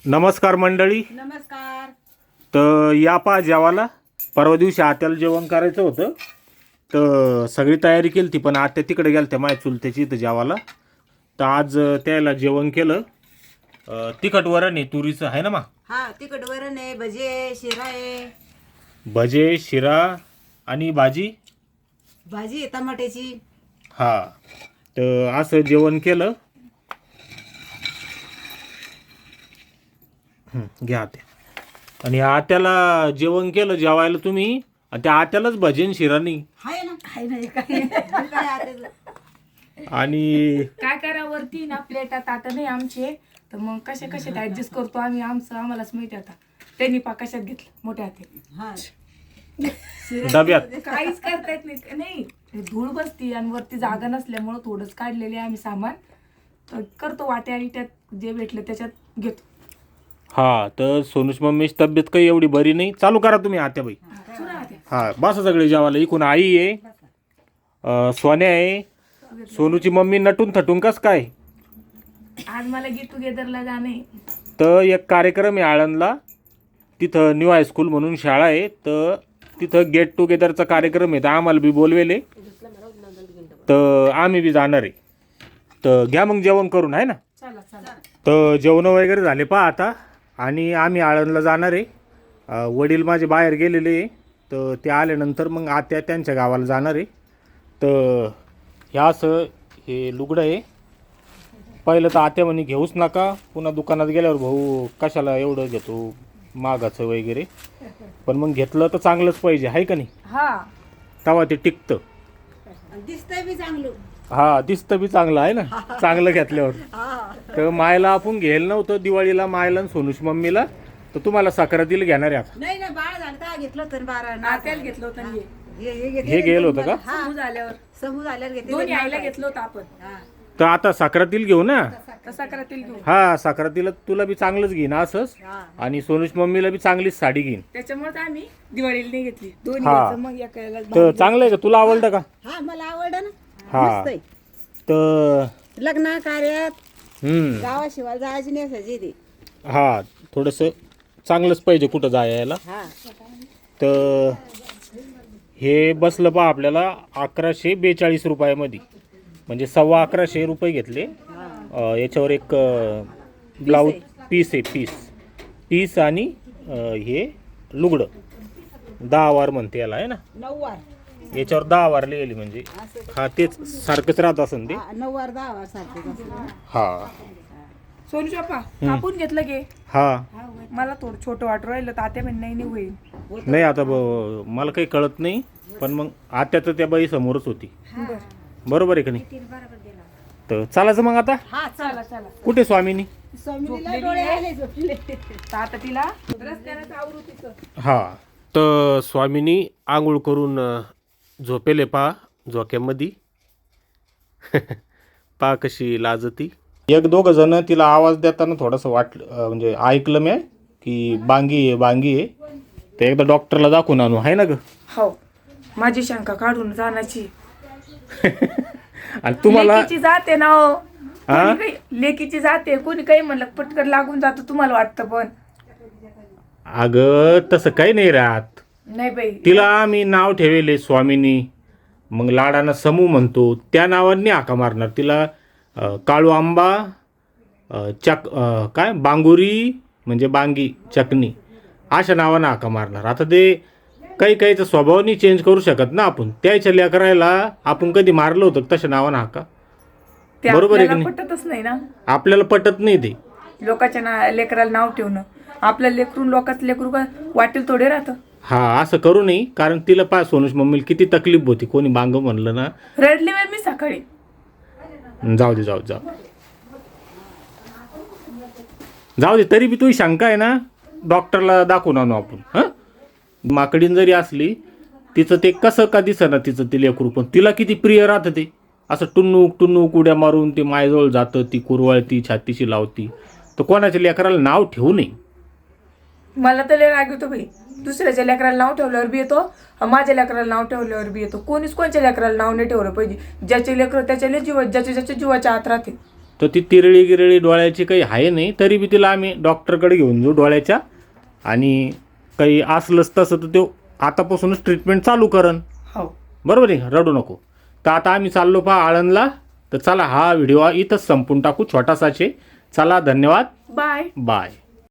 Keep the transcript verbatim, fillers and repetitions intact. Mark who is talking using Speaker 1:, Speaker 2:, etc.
Speaker 1: नमस्कार मंडळी.
Speaker 2: नमस्कार.
Speaker 1: तर या पा जेवायला परवा दिवशी आत्याला जेवण करायचं होतं, तर सगळी तयारी केली ती, पण आत्या तिकडे गेल्या त्या माझ्या चुलत्याची इथं जेवायला. तर आज त्याला जेवण केलं. तिखट वरण आहे तुरीचं, आहे ना मा?
Speaker 2: हा, तिखट वरण आहे, भजे आहे, शिरा आहे.
Speaker 1: भजे, शिरा आणि भाजी
Speaker 2: भाजी आहे टमाट्याची.
Speaker 1: हा, तर असं जेवण केलं. घ्या ते. आणि आत्याला जेवण केलं जेवायला तुम्ही, आणि त्या आत्यालाच भजन शिरा नाही
Speaker 2: आहे ना, आहे ना, काय काय आता
Speaker 1: आणि
Speaker 3: काय करा वरती ना प्लेटात आता नाही आमचे, तर मग कशा कशात ऍडजस्ट करतो आम्ही, आमचं आम्हालाच माहिती. आता त्यांनी पा कशात घेतलं मोठ्या हाती,
Speaker 2: हा
Speaker 1: डब्यात
Speaker 3: काहीच करता येत नाही. नाही धूळ बसती आणि वरती जागा नसल्यामुळं थोडंच काढलेले आम्ही सामान, तर करतो वाट्या आणि त्यात जे भेटलं त्याच्यात घेतो.
Speaker 1: हा, तर सोनूच मम्मीची तब्येत काही एवढी बरी नाही. चालू करा तुम्ही आत्याबाई. हा, बस सगळे जेवायला. इकून आई आहे, अं, सोन्या आहे, सोनूची मम्मी नटून थटून कस काय.
Speaker 3: आज मला गेट टुगेदरला जाणे.
Speaker 1: तर एक कार्यक्रम आहे आळंदला, तिथं न्यू हायस्कूल म्हणून शाळा आहे, तर तिथं गेट टुगेदरचा कार्यक्रम आहे. तर आम्हाला बी बोलवेले, तर आम्ही बी जाणार आहे. तर घ्या मग जेवण करून, आहे ना.
Speaker 3: चला चला.
Speaker 1: तर जेवण वगैरे झाले पहा आता, आणि आम्ही आळंदला जाणार आहे. अ, वडील माझे बाहेर गेलेले आहे, तर ते आल्यानंतर मग आत्या त्यांच्या गावाला जाणार आहे. तर ह्या असं हे लुगडं आहे. पहिलं तर आत्या म्हणे घेऊच नका, पुन्हा दुकानात गेल्यावर भाऊ कशाला एवढं घेतो मागाचं वगैरे, पण मग घेतलं तर चांगलंच पाहिजे, आहे का नाही.
Speaker 3: हा,
Speaker 1: तेव्हा ते टिकतं.
Speaker 2: दिसतंय बी चांगलं.
Speaker 1: हा, दिसतं बी चांगलं आहे ना चांगलं घेतल्यावर. तर मायला आपण घ्यायला नव्हतं दिवाळीला, मायला आणि सोनूश मम्मीला, तर तुम्हाला सक्रातीला घेणार आहे आता.
Speaker 2: नाही ना, बाळ झालं तर घेतलं तर बारा
Speaker 3: नात्याला घेतलं होतं आणि हे.
Speaker 2: हे हे
Speaker 1: हे गेलं होतं का?
Speaker 3: समूह झाल्यावर
Speaker 2: समूह झाल्यावर घेतले.
Speaker 3: दोन्ही आईला घेतलं होतं आपण.
Speaker 2: हा,
Speaker 1: तर आता सक्रातीला घेऊ ना.
Speaker 3: तसा करातील घेऊ.
Speaker 1: हा, सक्रातीला तुला बी चांगलंच घेईन असंच,
Speaker 2: हा.
Speaker 1: आणि सोनूश मम्मीला बी चांगलीच साडी घेईन.
Speaker 3: त्याच्यामुळे आम्ही दिवाळीला नाही घेतली, दोन्ही
Speaker 1: हा.
Speaker 3: घ्यायचं, मग एकाला
Speaker 1: तर चांगलं आहे का, तुला आवडलं का?
Speaker 2: हा, मला आवडलं ना.
Speaker 1: हा.
Speaker 2: मस्त आहे.
Speaker 1: तर
Speaker 2: लग्न कार्यात
Speaker 1: हम्म
Speaker 2: गावाशिवाय जायची नेसायची ती.
Speaker 1: हा, थोडंसं चांगलंच पाहिजे कुठं जायला.
Speaker 2: हा,
Speaker 1: तर हे बसलं पहा आपल्याला अकराशे बेचाळीस रुपयामध्ये, म्हणजे सव्वा अकराशे रुपये घेतले. अं, याच्यावर एक ब्लाऊज पीस आहे, पीस पीस आणि अं, हे लुगडं दहा वार म्हणते याला, आहे ना.
Speaker 2: नऊवार.
Speaker 1: याच्यावर दहा वार लिहिली, म्हणजे हा तेच सारखंच राहत असेल ते.
Speaker 2: हा, नऊवार दहा वार सारखेच असतं.
Speaker 1: हा
Speaker 3: सोनू शॉपा कापून घेतलं गे.
Speaker 1: हा,
Speaker 3: मला थोडं छोटं वाटू राहिलं, तर आता म्हण नाही नाही होईल.
Speaker 1: नाही आता ब- मला काही कळत नाही, पण मग आत्या तर त्या बाई समोरच होती,
Speaker 3: बर,
Speaker 1: बरोबर आहे का नाही. तर चालायचं मग आता.
Speaker 2: हा,
Speaker 3: चला चला.
Speaker 1: कुठे स्वामीनी?
Speaker 2: स्वामीला डोळे आले झोपले.
Speaker 3: तर आता तिला रस्त्यानं आवरू तिचं.
Speaker 1: हा, तर स्वामीनी आंघोळ करून अ, झोपेले पा झोक्यामध्ये. पा कशी लाजती. एक दोघं जण तिला आवाज देताना थोडंसं वाटलं, अ, म्हणजे ऐकलं मी की बांगी आहे बांगी आहे. ते एकदा डॉक्टरला दाखवून आणू, आहे ना ग.
Speaker 3: हो, माझी शंका काढून जाण्याची.
Speaker 1: आणि तुम्हाला
Speaker 3: लेकीची जाते ना हो.
Speaker 1: हा?
Speaker 3: कोणी काही लेकीची जाते, कोणी काही म्हणलं पटकन लागून जातो, तुम्हाला वाटतं, पण
Speaker 1: अगं तसं काही नाही राहत.
Speaker 3: नाही बाई.
Speaker 1: तिला आम्ही नाव ठेवले स्वामीनी, मग लाडानं समू म्हणतो, त्या नावाने हाका मारणार तिला. अ, काळू आंबा, अ, चक अ, काय बांगुरी म्हणजे बांगी चकनी, अशा नावानं हाका मारणार. आता ते काही काहीचा स्वभाव नाही चेंज करू शकत ना आपण. त्याच्या लेकरायला आपण कधी मारलं होतं तशा नावानं हाका,
Speaker 3: ते
Speaker 1: बरोबर आहे की
Speaker 3: आपल्याला
Speaker 1: नाही?
Speaker 3: पटतच नाही ना.
Speaker 1: आपल्याला पटत नाही ते.
Speaker 3: लोकांच्या ना लेकराला नाव ठेवणं, आपलं लेकरून लोकांचं लेकरू का वाटेल थोडे राहतं.
Speaker 1: हा, असं करू नये, कारण तिला पा सोनूश मम्मीला किती तकलीफ होती, कोणी बांग म्हणलं ना.
Speaker 3: रडली बाई मी सकाळी.
Speaker 1: जाऊ दे जाऊ दे, जाऊ जाऊ दे. तरी बी तुझी शंका आहे ना, डॉक्टरला दाखवून आणू आपण. हां, माकडीन जरी असली, तिचं ते कसं का दिसना तिचं ते लेकरू, पण तिला किती प्रिय राहतं ते. असं टुन्नूक टुन्नूक उड्या मारून ते मायजवळ जातं, ती कुरवाळती छातीशी लावती. तर कोणाच्या लेकराला नाव ठेवू नये.
Speaker 3: मला तर लय राग येतो बाई. दुसऱ्याच्या लेकराला नाव ठेवल्यावर बी येतो, माझ्या लेकराला नाव ठेवल्यावर बी येतो. कोणीच कोणच्या लेकराला नाव नाही ठेवलं पाहिजे. ज्याचे लेकर त्याच्या जीवा, ज्याच्या ज्याच्या जीवाच्या आत राहते.
Speaker 1: तर ती तिरळी गिरळी डोळ्याची काही आहे नाही, तरी बी तिला आम्ही डॉक्टरकडे घेऊन जाऊ डोळ्याच्या, आणि काही असलंच तसं तर तो आतापासूनच ट्रीटमेंट चालू करन.
Speaker 3: हो.
Speaker 1: बरोबर आहे, रडू नको. तर आता आम्ही चाललो पहा आळंदला. तर चला, हा व्हिडिओ इथंच संपून टाकू, छोटासाचे. चला, धन्यवाद,
Speaker 3: बाय.
Speaker 1: बाय.